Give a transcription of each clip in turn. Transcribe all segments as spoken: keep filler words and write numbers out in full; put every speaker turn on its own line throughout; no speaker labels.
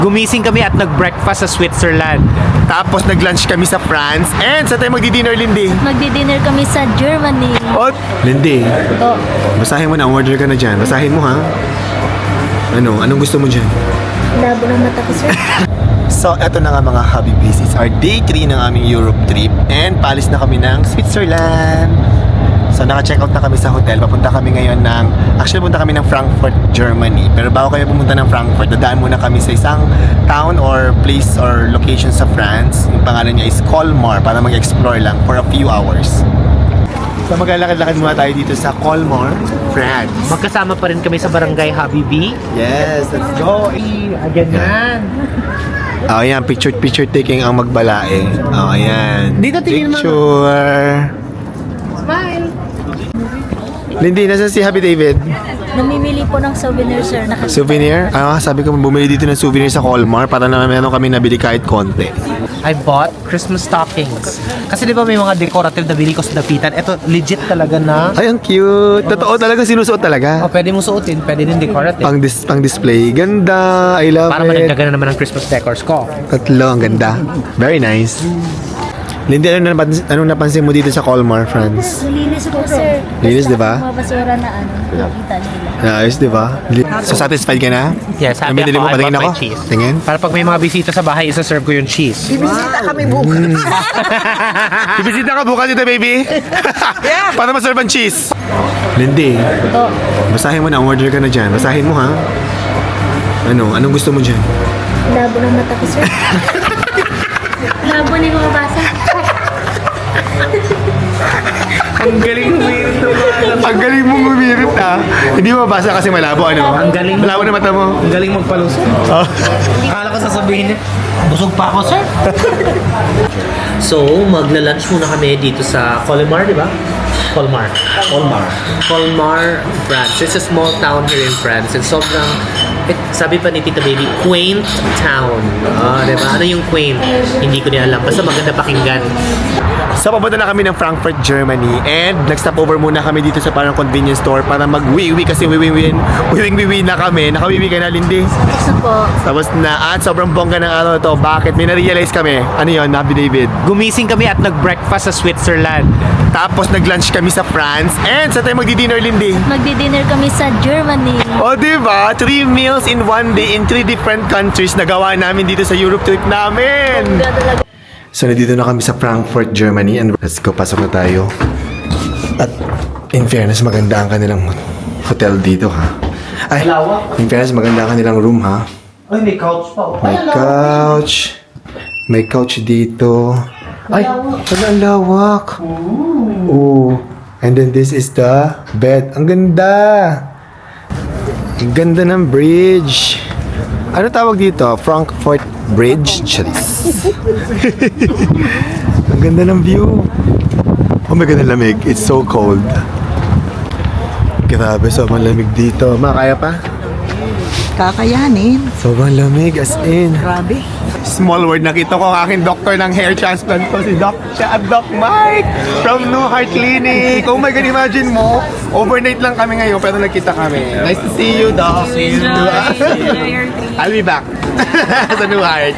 Gumising kami at nag-breakfast sa Switzerland.
Tapos nag-lunch kami sa France. And sa tayo magdi-dinner, Lindy?
Magdi-dinner kami sa Germany.
Oh, Lindy,
Oh,
basahin mo na. Order ka na dyan. Basahin mo, ha? Ano? Anong gusto mo dyan?
labo ng mata ko, sir.
So, eto na nga mga Habibis. It's our day three ng aming Europe trip. And palis na kami ng Switzerland. So, naka-check out na kami sa hotel. Papunta kami ngayon ng... Actually, punta kami ng Frankfurt, Germany. Pero bago kami pumunta ng Frankfurt, dadaan muna kami sa isang town or place or location sa France. Yung pangalan niya is Colmar para mag-explore lang for a few hours. So, maglalakad-lakad muna tayo dito sa Colmar, France.
Magkasama pa rin kami sa Barangay Habibi.
Yes, let's go!
Ganyan.
Oh, ayan. Picture-picture taking ang magbalae. Oh, ayan.
Dito, tingin mo.
Picture.
Smile.
Lindy, nasa si Happy David?
Namimili po ng souvenir, sir. Nakita.
Souvenir? Ah, sabi ko bumili dito ng souvenir sa Colmar para na meron kami nabili kahit konti.
I bought Christmas stockings. Kasi di ba may mga decorative na bili ko sa dapitan? Ito, legit talaga na.
Ay, ang cute. Totoo talaga, sinusuot talaga.
Oh, pwede mo suotin, pwede din decorative.
Pang, dis pang display. Ganda. I love
Para
it.
managdagan na naman ang Christmas decors ko.
Tatlo, ang ganda. Very nice. Lindy, ano napansin, anong napansin mo dito sa Colmar, France?
Linis po, sir.
Linis,
Basta
di ba?
Mga basura na ano, nakita nila.
Ayos, di ba? So, satisfied ka na?
Yes,
Ang
happy
binili
ako.
mo,
I
patingin
bought
ako.
my cheese.
Tingin.
Para pag may mga bisita sa bahay, isa-serve ko yung cheese.
Bibisita kami bukas.
Ibisita ka bukas dito, baby. Para maserve ang cheese. Lindy,
Oh,
basahin mo na. Order ka na dyan. Basahin mo, ha? Ano? Anong gusto mo dyan?
labo ng mata ko, sir. Labo ni mga basa.
Ang galing mo yun.
Ang galing mong umirit, ha? Hindi mo mabasa kasi malabo, ano?
Ang galing mo.
Malabo na mata mo.
Ang galing magpalusot.
Oh.
Akala ko sasabihin niya, busog pa ako, sir. So, magla-lunch muna kami dito sa Colmar, di ba? Colmar. Colmar. Colmar, France. It's a small town here in France. And sobrang, eh, sabi pa ni Tita Baby, quaint town. Ah, di ba? Ano yung quaint? Hindi ko niya alam. Basta maganda pakinggan.
So, papunta na kami ng Frankfurt, Germany. And nag-stop over muna kami dito sa parang convenience store para mag-wiwi kasi wiwi-win. Wiwing-wiwi na kami. Nakawiwi ka na, Lindy?
Gusto po.
Tapos na, at sobrang bongga ng araw to. Bakit? May na-realize kami. Ano yun, Happy David?
Gumising kami at nag-breakfast sa Switzerland.
Tapos nag-lunch kami sa France. And sa tayo magdi-dinner, Lindy?
Magdi-dinner kami sa Germany.
O, diba? Three meals in one day in three different countries na gawa namin dito sa Europe trip namin.
Ganda talaga.
So, nandito na kami sa Frankfurt, Germany. And let's go, pasok na tayo. At in fairness, maganda ang kanilang hotel dito, ha? Ay, in fairness, maganda ang kanilang room, ha?
Ay, may couch pa.
May couch. May couch dito. Ay, wala, ang lawak. Ooh. And then this is the bed. Ang ganda. Ang ganda ng bridge. Ano tawag dito? Frankfurt Bridge? Charis. Ang ganda ng view. Oh my God, ang lamig. It's so cold. Grabe, sobrang lamig dito. Ma, kaya pa?
Kakayanin.
Sobrang lamig, as in.
Grabe.
Small word, nakita ko ang aking doctor ng hair transplant ko, si Doc, siya, Doc Mike from New Heart Clinic. Oh my God, imagine mo, overnight lang kami ngayon pero nagkita kami. Nice to see you, Doc. See you. I'll be back sa New Heart.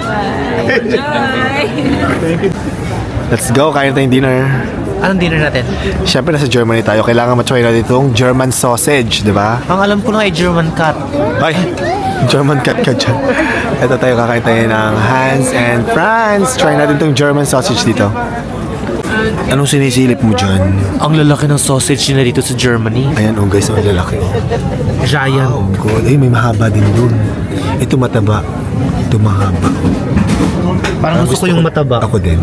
Let's go, kain tayong dinner.
Anong dinner natin?
Siyempre, nasa Germany tayo. Kailangan matry natin itong German sausage, di ba?
Ang alam ko lang ay German cat.
Ay, German cat ka dyan. Ito tayo, kakain tayo ng Hans and Franz. Try natin itong German sausage dito. Anong sinisilip mo dyan?
Ang lalaki ng sausage nila dito sa Germany.
Ayan, oh guys, ang lalaki. Oh.
Giant.
Oh God, ay may mahaba din dun. Ito mataba. Ito mahaba.
Parang gusto ko yung mataba.
Ako din.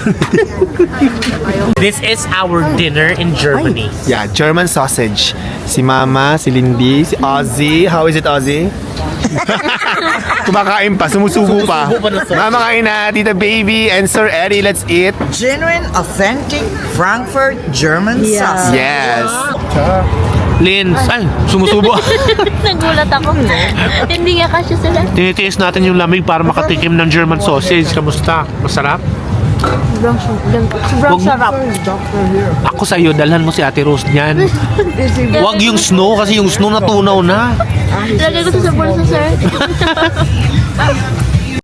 This is our dinner in Germany.
Yeah, German sausage. Si Mama, si Lindy, si Ozzy. How is it, Ozzy? Kumakain pa, sumusubo pa.
Sumusubo pa na, sir.
Mama, kain na. Tita Baby and Sir Eddie, let's eat.
Genuine, authentic Frankfurt German sausage.
Yes.
Lins, ay, sumusubo.
Nagulat ako. Hindi nga kasya sila.
Tinitiis natin yung lamig para makatikim ng German sausage. Kamusta? Masarap?
Sobrang, sobrang, sobrang
Wag-
sarap.
Ako sa iyo, dalhan mo si Ate Rose niyan. Wag yung snow kasi yung snow natunaw na.
Lagay ko to sa bulsa, sir.